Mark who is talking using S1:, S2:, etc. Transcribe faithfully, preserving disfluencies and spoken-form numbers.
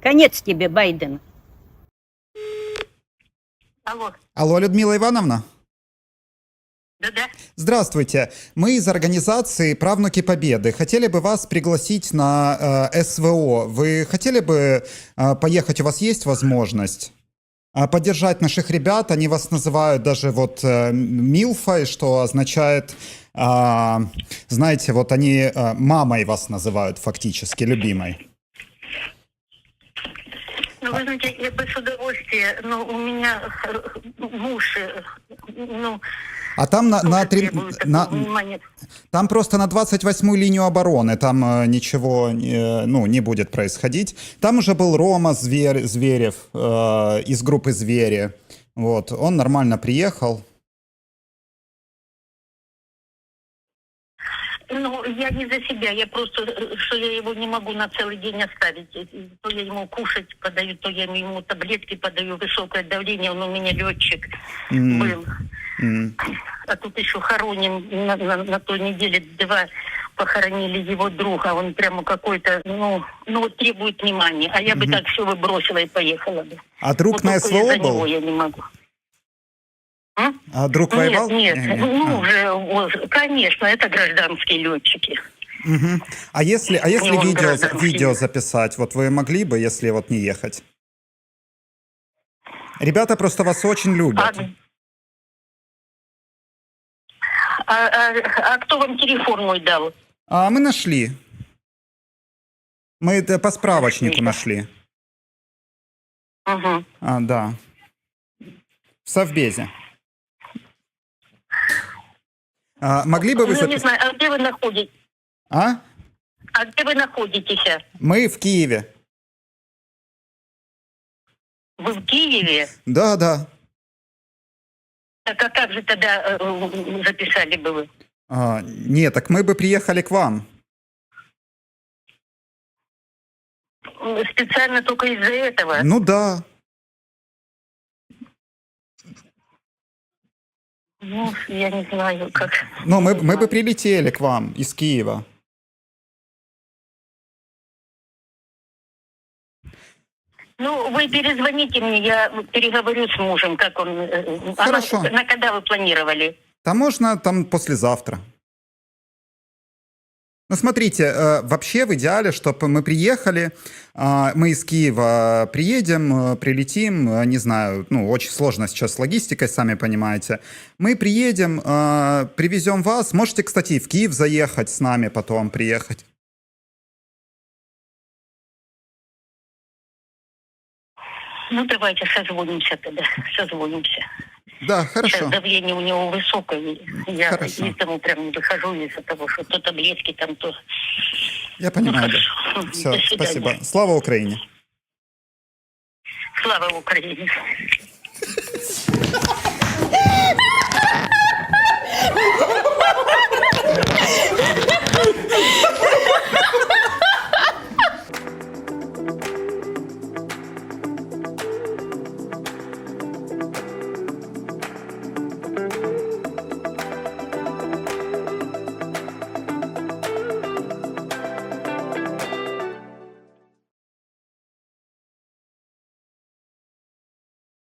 S1: Конец тебе, Байден.
S2: Алло.
S3: Алло, Людмила Ивановна?
S2: Да-да.
S3: Здравствуйте. Мы из организации «Правнуки Победы». Хотели бы вас пригласить на э, СВО. Вы хотели бы э, поехать? У вас есть возможность? А поддержать наших ребят? Они вас называют даже вот э, Милфой, что означает, э, знаете, вот они э, мамой вас называют фактически, любимой.
S2: Ну, вы знаете, я бы с удовольствием, но у меня муж, ну...
S3: А там на, на, три, на там просто на двадцать восьмую линию обороны, там э, ничего э, ну, не будет происходить. Там уже был Рома Зверь, Зверев э, из группы «Звери». Вот, он нормально приехал.
S2: Ну, я не за себя, я просто, что я его не могу на целый день оставить. То я ему кушать подаю, то я ему таблетки подаю, высокое давление, он у меня летчик mm. был. Mm. А тут еще хороним на, на, на той неделе два похоронили его друга, он прямо какой-то, ну, ну вот требует внимания, а я mm-hmm. бы так все выбросила и поехала бы.
S3: А друг вот на СВО был?
S2: Него я не могу.
S3: А, а друг воевал?
S2: Нет, нет,
S3: нет, нет.
S2: ну
S3: а.
S2: уже, конечно, это гражданские летчики.
S3: Угу. А если, а если видео, видео записать, вот вы могли бы, если вот не ехать? Ребята просто вас очень любят.
S2: А, а, а, а кто вам телефон мой дал?
S3: А мы нашли. Мы это по справочнику нашли.
S2: Угу.
S3: А, да. В Совбезе. А, могли бы вы...
S2: Ну,
S3: запис...
S2: не знаю, а где вы находитесь?
S3: А?
S2: А где вы находитесь?
S3: Мы в Киеве.
S2: Вы в Киеве?
S3: Да, да.
S2: Так а как же тогда э, записали бы вы?
S3: А, нет, так мы бы приехали к вам.
S2: Специально только из-за этого?
S3: Ну да.
S2: Ну, я не знаю, как...
S3: Ну, мы, мы бы прилетели к вам из Киева.
S2: Ну, вы перезвоните мне, я переговорю с мужем, как он...
S3: Хорошо.
S2: А на, на когда вы планировали?
S3: Там можно, там послезавтра. Ну, смотрите, э, вообще в идеале, чтобы мы приехали, э, мы из Киева приедем, э, прилетим, э, не знаю, ну, очень сложно сейчас с логистикой, сами понимаете. Мы приедем, э, привезем вас. Можете, кстати, и в Киев заехать с нами, потом приехать.
S2: Ну, давайте созвонимся тогда, созвонимся.
S3: Да, хорошо.
S2: Сейчас давление у него высокое, я
S3: хорошо.
S2: из дому прям не выхожу из-за того, что то таблетки там, то...
S3: Я понимаю,
S2: ну,
S3: да. Все, спасибо. Слава Украине!
S2: Слава Украине!